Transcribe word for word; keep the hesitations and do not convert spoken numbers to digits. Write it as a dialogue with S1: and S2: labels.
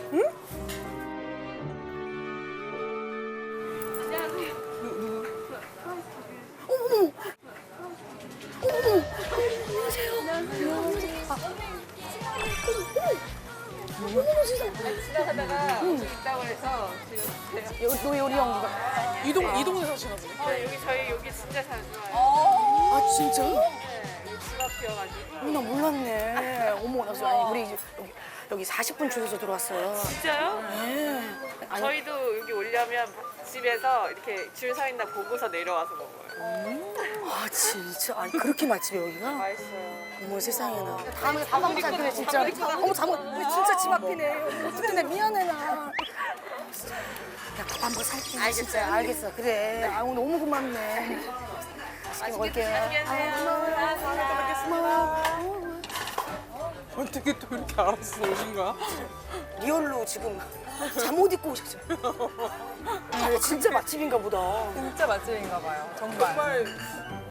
S1: 지나가다가 여기 있다고 해서 지금
S2: 너 요리 연구가.
S3: 이동 이동에 사시나 보네.
S1: 어, 여기 저희 여기 진짜 자주 와요.
S2: 아 진짜?
S1: 네, 여기 집 앞이어가지고.
S2: 어, 나 몰랐네. 어머 나 진짜 아니 우리 이제 여기 여기 사십 분 줄여서 들어왔어요.
S1: 진짜요?
S2: 네. 아니,
S1: 저희도 여기 오려면 집에서 이렇게 줄 서 있나 보고서 내려와서 먹어요.
S2: 아 진짜 아니 그렇게 맛집이 여기가?
S1: 맛있어요.
S2: 어머 세상에나. 다음에 밥 먹고 살기네 진짜. 어머 잠깐 우리 진짜 집 앞이네. 어떡해 나 미안해 나. 야 밥 한번 살게. 알겠어요. 알겠어. 그래. 아 오늘 너무 고맙네. 맛있게 먹을게요.
S1: 맛있게 드세요.
S2: 고마워.
S3: 어떻게 또 이렇게 알았어 오신 거야?
S2: 리얼로 지금 잠옷 입고 오셨죠? 아, 진짜 맛집인가 보다.
S4: 진짜 맛집인가 봐요. 정말.
S3: 정말